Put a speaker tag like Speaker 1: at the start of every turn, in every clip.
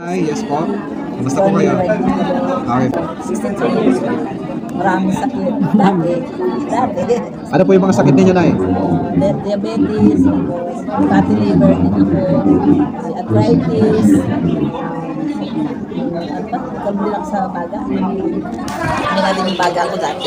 Speaker 1: Ay, yes po. Kumusta po kayo? Okay.
Speaker 2: 63 years old. Maraming sakit. Dati.
Speaker 1: Ano po yung mga sakit ninyo, Nay?
Speaker 2: Diabetes, fatty liver din ako, arthritis, at ba? Kabilang sa baga. Hindi nga din yung baga ko dati.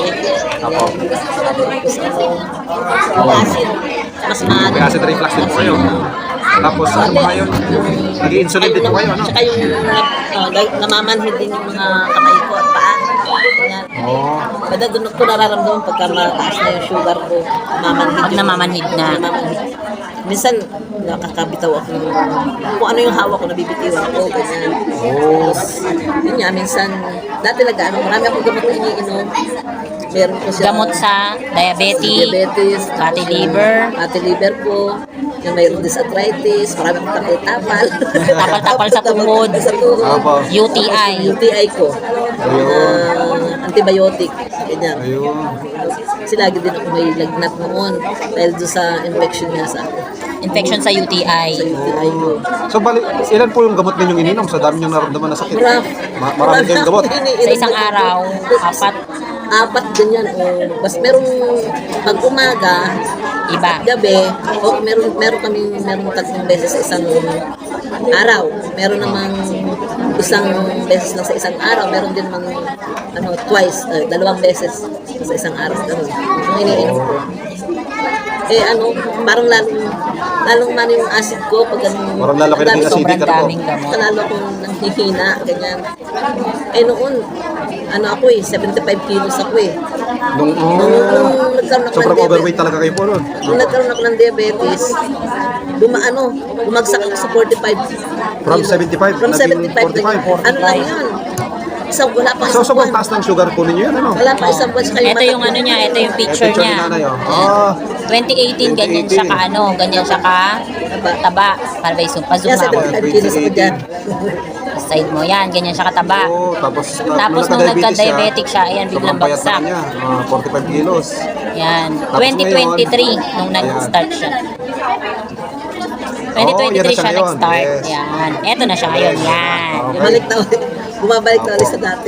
Speaker 2: Acid. Mas maaga.
Speaker 1: May acid reflux din po kayo. Tapos ano ba yun? Nag-i-insulin din po kayo, ano?
Speaker 2: Tsaka yung namamanhid din yung mga kamay ko at paa. Ganyan.
Speaker 1: Oo.
Speaker 2: Kada doon ko nararamdaman pagka mataas na yung sugar ko, namamanhid.
Speaker 3: Pag namamanhid na.
Speaker 2: Namamanhid. Minsan, nakakabitaw ako kung ano yung hawak ko, nabibitiwan ko. Ganyan. Tapos, yun nga, minsan, dati marami akong gamot na iniinom. Meron ko siya.
Speaker 3: Gamot sa diabetes, fatty liver.
Speaker 2: Fatty liver ko. Yung mayroon din sa arthritis, marami akong tapal-tapal.
Speaker 3: Tapal-tapal sa tuhod.
Speaker 2: Sa tuhod.
Speaker 1: Opo.
Speaker 3: UTI.
Speaker 2: UTI ko. Antibiotic. Ganyan.
Speaker 1: Ayun.
Speaker 2: Kasi lagi din ako may lagnat noon dahil doon sa infection niya sa
Speaker 3: Infection sa UTI.
Speaker 2: UTI ko.
Speaker 1: So, ilan po yung gamot ninyong ininom sa dami niyong naramdaman na sakit? Marami kayong gamot.
Speaker 3: Sa isang araw,
Speaker 2: 4 ganyan. Basta merong pag umaga,
Speaker 3: iba.
Speaker 2: gabi, meron 3 beses sa isang araw. Meron namang isang beses lang sa isang araw. Meron din mang twice, 2 beses sa isang araw. Ganun. Yung iniinom ko. Parang lalong man yung acid ko pag
Speaker 1: Parang lalaki na yung acidic,
Speaker 3: Sobrang daming gamot.
Speaker 2: lalo akong nanghihina, ganyan. Noon, ako 75 kilos ako eh.
Speaker 1: Nung
Speaker 2: Nagkaroon ako
Speaker 1: sobrang
Speaker 2: ng
Speaker 1: overweight talaga kayo po nun.
Speaker 2: Nung nagkaroon ako ng diabetes, bumagsak ako sa 45.
Speaker 1: From 75,
Speaker 2: From
Speaker 1: naging
Speaker 2: 75.
Speaker 1: 45.
Speaker 2: Ano lang yun? Wala pa
Speaker 1: So,
Speaker 2: isang
Speaker 1: sobrang
Speaker 2: buwan.
Speaker 1: taas ng sugar po ninyo yan, ano?
Speaker 2: Wala pa isang buwan. Saka
Speaker 3: Ito yung ano niya, ito yung picture
Speaker 1: Picture ni
Speaker 3: niya.
Speaker 1: nanay, oh.
Speaker 3: 2018, ganyan siya ka ganyan siya ka taba. Para ba zoom? Pa-zoom
Speaker 2: Kaya
Speaker 3: ako.
Speaker 2: 75 kilos ako dyan.
Speaker 3: Side mo yan, ganyan siya kataba.
Speaker 1: Oo, tapos
Speaker 3: Tapos nung nagka-diabetic siya, ayan, biglang
Speaker 1: sobrang payat
Speaker 3: bagsak.
Speaker 1: na kanya, 45 kilos.
Speaker 3: Yan,
Speaker 1: Tapos
Speaker 3: 2023 nung nag-start siya. 2023
Speaker 1: yan na siya
Speaker 3: siya
Speaker 1: ngayon,
Speaker 3: nag-start.
Speaker 1: yes.
Speaker 3: Yan, eto na siya ngayon. Yan.
Speaker 2: Bumabalik na ulit sa dati.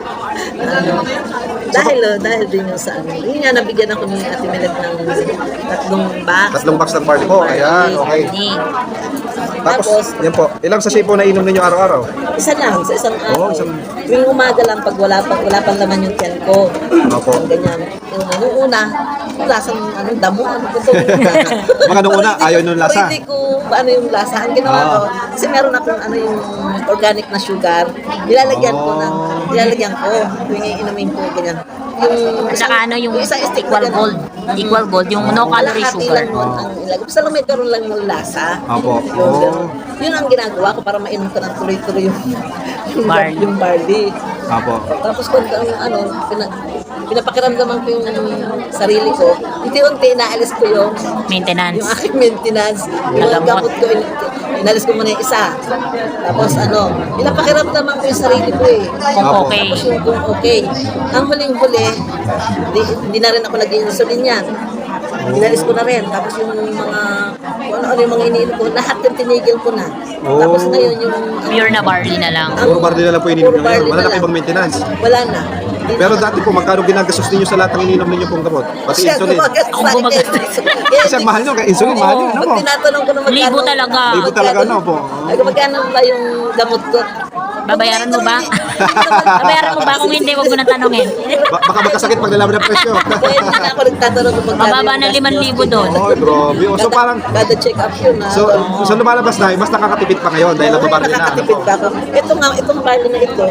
Speaker 2: Dahil din yung sa Yun nga, nabigyan ako ni Ate Melet ng 3 box.
Speaker 1: 3 box ng party po. Ayan, okay. Tapos, yan po. Ilang sachet po na inom ninyo araw-araw?
Speaker 2: Isa lang, sa isang araw.
Speaker 1: Oo, isang-
Speaker 2: Tuwing umaga lang pag wala pang laman yung tiyan ko.
Speaker 1: Opo.
Speaker 2: Ganyan. Nung una, yung lasang damo, ito.
Speaker 1: Mga nung una, ayaw nung lasa.
Speaker 2: Hindi ko yung lasa. Ang ginawa ko, kasi meron akong yung organic na sugar. Nilalagyan ko. Tuwing iinumin ko, ganyan.
Speaker 3: Saka yung
Speaker 2: isang stick
Speaker 3: equal
Speaker 2: na
Speaker 3: gold. Equal gold, yung no calorie
Speaker 2: kalahati
Speaker 3: sugar.
Speaker 2: lang yun ang ilagay. Basta lang may karoon lang ng lasa.
Speaker 1: Opo.
Speaker 2: Yun ang ginagawa ko para mainom ko ng tuloy-tuloy
Speaker 3: Barley.
Speaker 2: yung barley.
Speaker 1: Opo.
Speaker 2: Tapos kung pinapakiramdaman ko yung sarili ko, unti-unti inaalis ko yung
Speaker 3: Maintenance.
Speaker 2: aking maintenance. Yung
Speaker 3: Nagamot.
Speaker 2: gamot ko, inalis ko muna yung isa. Tapos pinapakiramdaman ko yung sarili ko eh.
Speaker 3: Kung okay.
Speaker 2: Tapos yung kung okay. Ang huling-huli, hindi na rin ako nag-insulin yan. Inalis ko na rin. Tapos yung mga, kung ano yung mga iniinom ko, lahat yung tinigil ko na. Tapos ngayon yung
Speaker 3: Pure na barley na lang.
Speaker 1: Puro barley na lang po ininom
Speaker 2: Puro
Speaker 1: nyo ngayon.
Speaker 2: barley
Speaker 1: Wala
Speaker 2: na
Speaker 1: na
Speaker 2: lang.
Speaker 1: ibang maintenance.
Speaker 2: Wala na. Hindi
Speaker 1: Pero
Speaker 2: na-
Speaker 1: dati po, magkano ginagastos ninyo sa lahat ng ininom ninyo pong gamot? Pati
Speaker 2: Siya
Speaker 1: insulin.
Speaker 2: gumagastos
Speaker 3: Ang
Speaker 2: sa akin.
Speaker 3: gumagastos.
Speaker 1: Kasi ang mahal nyo, kaya insulin, mahal yun. Ano
Speaker 2: Pag
Speaker 1: po?
Speaker 2: tinatanong ko na magkano.
Speaker 3: Libo talaga.
Speaker 1: Libo talaga, ano po?
Speaker 2: Ay, magkano ba yung gamot ko?
Speaker 3: Babayaran mo ba? Babayaran mo ba? Kung hindi, wag mo nang tanongin.
Speaker 1: Baka magkasakit pag nalaman ng presyo.
Speaker 2: Kaya hindi na ako nagtatanong kung magkano.
Speaker 3: Mababa na 5,000 doon.
Speaker 1: Oh, grabe. So parang,
Speaker 2: Kada check up yun.
Speaker 1: so lumalabas na, mas nakakatipid pa ngayon dahil nababarli na. Ano
Speaker 2: Nakakatipid
Speaker 1: po?
Speaker 2: pa ako. Itong barley na ito,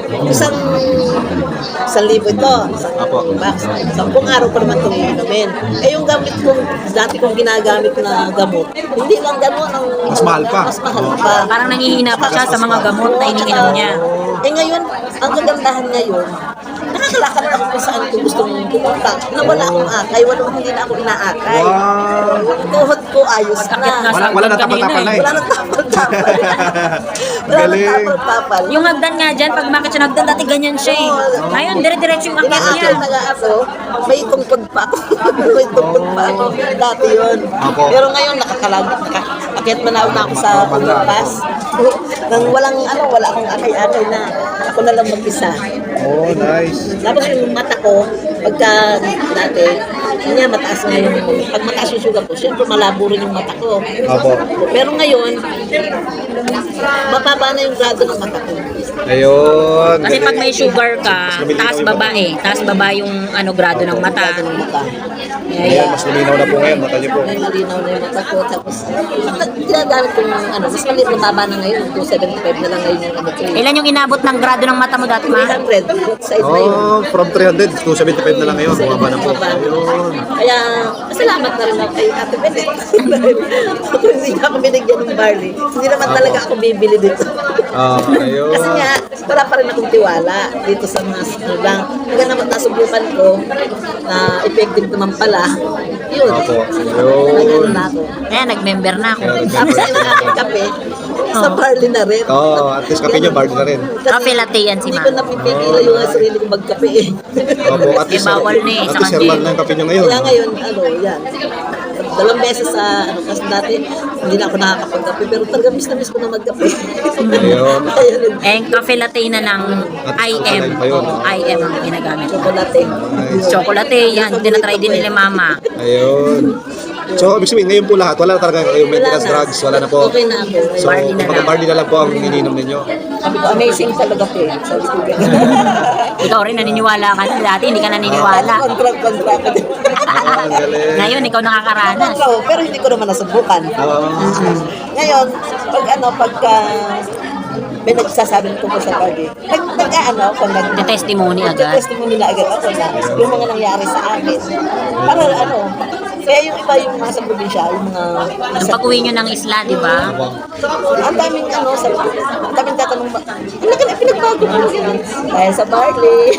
Speaker 2: isang libo ito.
Speaker 1: Apo.
Speaker 2: Box. 10 araw pa naman itong iinumin. Yung gamit kong, dati kong ginagamit na gamot, hindi lang gano'n ang...
Speaker 1: Mas mahal pa.
Speaker 2: Mas mahal pa.
Speaker 3: Parang nangihina pa siya sa mga gamot na iniinom niya.
Speaker 2: Ngayon, ang kagandahan ngayon, nakakalakad ako kung saan ko gusto mong pumunta. Na wala akong akay, hindi na ako inaakay.
Speaker 1: Wow.
Speaker 2: Yung tuhod ko ayos
Speaker 3: Akit
Speaker 2: na.
Speaker 3: na.
Speaker 1: Wala na tapal-tapal na eh.
Speaker 2: Wala nang tapal-tapal. Wala nang
Speaker 1: Galing.
Speaker 2: tapal-tapal.
Speaker 3: Yung hagdan nga dyan, pag makit siya ng hagdan, dati ganyan siya eh. Ngayon, dire-diretso yung akit niya.
Speaker 2: Inaakay na nga ako, may tungkod pa ako. May tungkod pa ako. Dati yun.
Speaker 1: Apo.
Speaker 2: Pero ngayon, Akit manaw na ako sa Pilipinas. Nang wala akong akay-akay na ako na lang mag-isa.
Speaker 1: Oh, nice.
Speaker 2: Tapos yung mata ko, pagka dati, yun nga, mataas nga yung, pag mataas yung sugar ko, syempre malabo rin yung mata ko.
Speaker 1: Opo.
Speaker 2: Pero ngayon, mababa na yung grado ng mata ko.
Speaker 1: Ayun.
Speaker 3: Kasi pag may sugar ka, taas baba eh. Taas baba yung grado ng mata.
Speaker 2: Grado ng mata.
Speaker 1: Ayan, mas luminaw na po ngayon, mata niyo po.
Speaker 2: Ngayon, malinaw na yung mata ko. Tapos, ginagamit ko yung, mas maliit mababa na ngayon, 275 na lang ngayon yung ano ko.
Speaker 3: Ilan yung inabot ng grado ng mata mo dati, ma?
Speaker 2: 300, both sides na yun.
Speaker 1: Oh, from 300 to 75 na lang ngayon. Bumaba na po. Ayun.
Speaker 2: Kaya, salamat na rin ako kay Ate Bene. Kung hindi niya ako binigyan ng barley, hindi naman talaga ako bibili dito.
Speaker 1: Ayun.
Speaker 2: Kasi nga, wala pa rin akong tiwala dito sa mga lang. Kaya naman nasubukan ko na effective naman pala. Yun.
Speaker 1: Opo.
Speaker 2: Nagano na ako.
Speaker 3: Kaya nag-member na ako.
Speaker 2: Tapos yung aking kape, sa barley na rin.
Speaker 1: Oh, at least kape niyo, barley na rin.
Speaker 3: Cafe latte yan si
Speaker 2: Hindi
Speaker 3: ma.
Speaker 2: ko napipigilan yung sarili ko magkape eh.
Speaker 1: Opo, at least,
Speaker 3: bawal na eh,
Speaker 1: at
Speaker 3: sa
Speaker 1: least
Speaker 3: kantin.
Speaker 1: herbal na yung kape niyo ngayon.
Speaker 2: Kaya ngayon, yan. 2 beses sa, kasi dati, hindi na ako nakakapagkape, pero talaga miss na miss ko na magkape.
Speaker 1: Ayun.
Speaker 2: Ayun,
Speaker 3: Eh, cafe latte na ng IM.
Speaker 1: pa yun.
Speaker 3: Oo, IM ang ginagamit ko.
Speaker 2: chocolate.
Speaker 3: Chocolate, yan. Tinatry din nila mama.
Speaker 1: Ayun. So, ibig sabihin, ngayon po lahat, wala na talaga kayong maintenance drugs, wala na po.
Speaker 2: Okay na ako.
Speaker 1: So,
Speaker 3: Barley na lang.
Speaker 1: barley na lang po ang ininom ninyo.
Speaker 2: Sabi ko, amazing talaga po. Sabi ko,
Speaker 3: Ikaw rin naniniwala ka na. Dati hindi ka naniniwala.
Speaker 2: Contract.
Speaker 1: Ang galing.
Speaker 3: Ngayon, ikaw nakakaranas.
Speaker 2: Pero hindi ko naman nasubukan. Ngayon, pagka may nagsasabi ko sa pagi,
Speaker 3: Testimony agad.
Speaker 2: testimony na agad ako na yung mga nangyari sa akin. Para kaya yung iba yung nasa probinsya, yung mga
Speaker 3: Nung pag-uwi nyo ng isla, di ba?
Speaker 2: ang daming ang daming tatanong ba, ano ka na pinagbago mo yun? Dahil sa barley.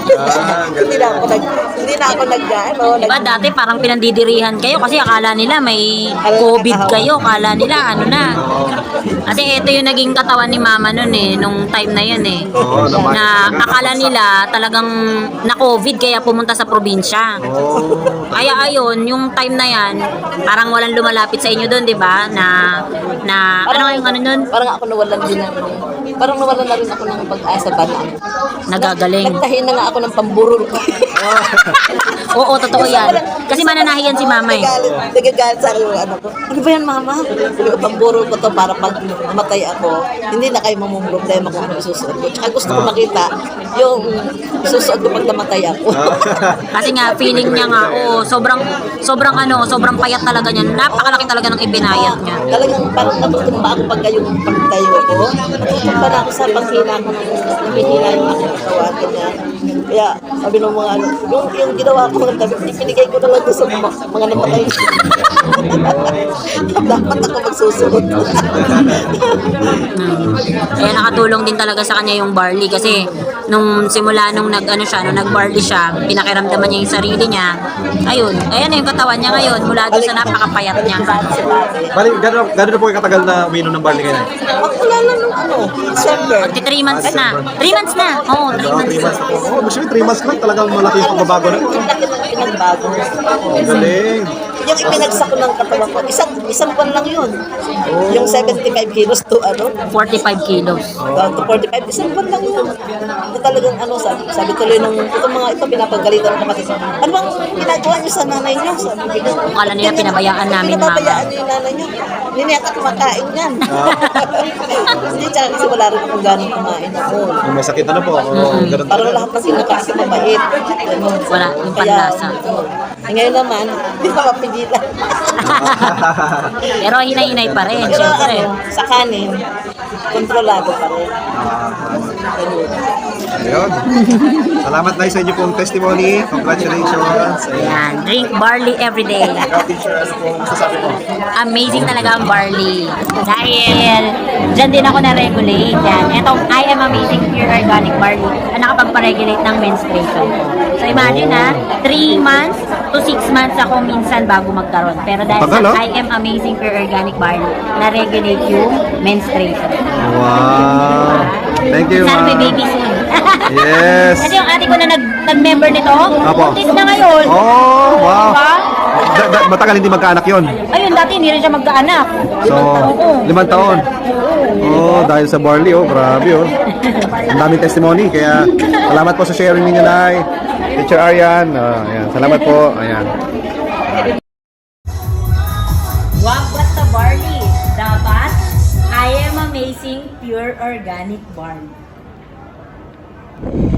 Speaker 2: Hindi na ako
Speaker 3: Di ba dati parang pinandidirihan kayo kasi akala nila may COVID kayo. Akala nila ano na. Kasi ito yung naging katawan ni mama nun eh, nung time na yun eh.
Speaker 1: Oo,
Speaker 3: Na akala nila talagang na-COVID kaya pumunta sa probinsya. Kaya ayun, yung time na yan, parang walang lumalapit sa inyo doon, di ba? Na ano yung ano nun?
Speaker 2: Parang ako nawalan din ng, parang nawalan na rin ako ng pag-asa ba na.
Speaker 3: Nagagaling.
Speaker 2: Nagtahin na nga ako ng pamburol ko.
Speaker 3: Oo, totoo yan. Kasi mananahiyan si mama eh.
Speaker 2: Nagagalit sa akin yung ano ko. Ano ba yan, mama? Yung pamburol ko to para pag mamatay ako, hindi na kayo mamumroblema kung ano isusuot ko. Tsaka gusto ko makita yung susuot ko pag namatay ako.
Speaker 3: Kasi nga, feeling niya nga, sobrang payat talaga niya. Napakalaki talaga ng ibinayat niya.
Speaker 2: Talagang parang natutumba ako pagka yung pagtayo ko. Natutumba na ako sa panghina ko ng namihina yung aking katawan. Kaya sabi ng mga ano, yung ginawa ko ng tabi, ipinigay ko na lang doon sa mga namatay. Dapat ako magsusunod.
Speaker 3: Kaya nakatulong din talaga sa kanya yung barley kasi nung simula nung nag-barley siya, pinakiramdaman niya yung sarili niya. Ayun, ayan na yung katawan niya ngayon mula doon sa napakapayat niya.
Speaker 1: Bali, gano'n na po yung katagal na uminom ng barley ngayon?
Speaker 2: Wala na nung December.
Speaker 3: Magti 3 months na. 3 months na. Oo, 3
Speaker 1: 3
Speaker 3: months.
Speaker 1: months na po. Oh, gusto 3 months lang, talagang malaki yung pagbabago na.
Speaker 2: Ang laki ng pinagbago.
Speaker 1: Ang galing.
Speaker 2: Yung ipinagsak ko ng katawan ko, isang buwan lang yun. Yung 75 kilos to
Speaker 3: 45 kilos.
Speaker 2: down to 45, isang buwan lang yun. Na talagang sabi tuloy nung itong mga ito, pinapagalitan ng kapatid. Ano bang ginagawa niyo sa nanay niyo? Sabi ko,
Speaker 3: Akala nila pinabayaan namin, mama.
Speaker 2: Pinabayaan niyo yung nanay niyo. Hindi niya kumakain yan. Hindi, tsaka kasi wala rin akong ganong kumain ako.
Speaker 1: Yung may sakit na po. Oh, ganun
Speaker 2: Parang
Speaker 1: talaga.
Speaker 2: lahat ng kinakain ko mabait. Ganun.
Speaker 3: Wala, yung
Speaker 2: Kaya,
Speaker 3: panlasa.
Speaker 2: ngayon naman, hindi pa mapigilan.
Speaker 3: Pero hinay-hinay pa rin,
Speaker 2: Pero
Speaker 3: syempre.
Speaker 2: sa kanin, kontrolado pa rin. Ganun.
Speaker 1: Ayun. Salamat na sa inyo pong testimony. Congratulations.
Speaker 3: Yan, drink barley every day.
Speaker 1: Ikaw, teacher, ano pong masasabi mo?
Speaker 3: Amazing talaga ang barley. Dahil dyan din ako na-regulate. Yan. Etong I am amazing pure organic barley ang nakapagpa-regulate ng menstruation ko. So imagine 3 months to 6 months ako minsan bago magkaroon. Pero dahil
Speaker 1: Tagal,
Speaker 3: sa
Speaker 1: oh.
Speaker 3: I am amazing pure organic barley, na-regulate yung menstruation.
Speaker 1: Wow. Thank you,
Speaker 3: Sana may
Speaker 1: ma'am.
Speaker 3: baby soon.
Speaker 1: Yes.
Speaker 3: Kasi yung ate ko na nag-member nito,
Speaker 1: Apo.
Speaker 3: buntis na ngayon.
Speaker 1: Oh, wow.
Speaker 3: Diba?
Speaker 1: matagal hindi magkaanak yon.
Speaker 3: Ayun, dati hindi rin siya magkaanak.
Speaker 1: So, 5 taon. Oh, dahil sa barley, oh, grabe, oh. Ang daming testimony, kaya salamat po sa sharing ninyo, Nay. Teacher Arian, ayan, salamat po, ayan.
Speaker 3: Wag basta barley. Dapat, I am amazing pure organic barley.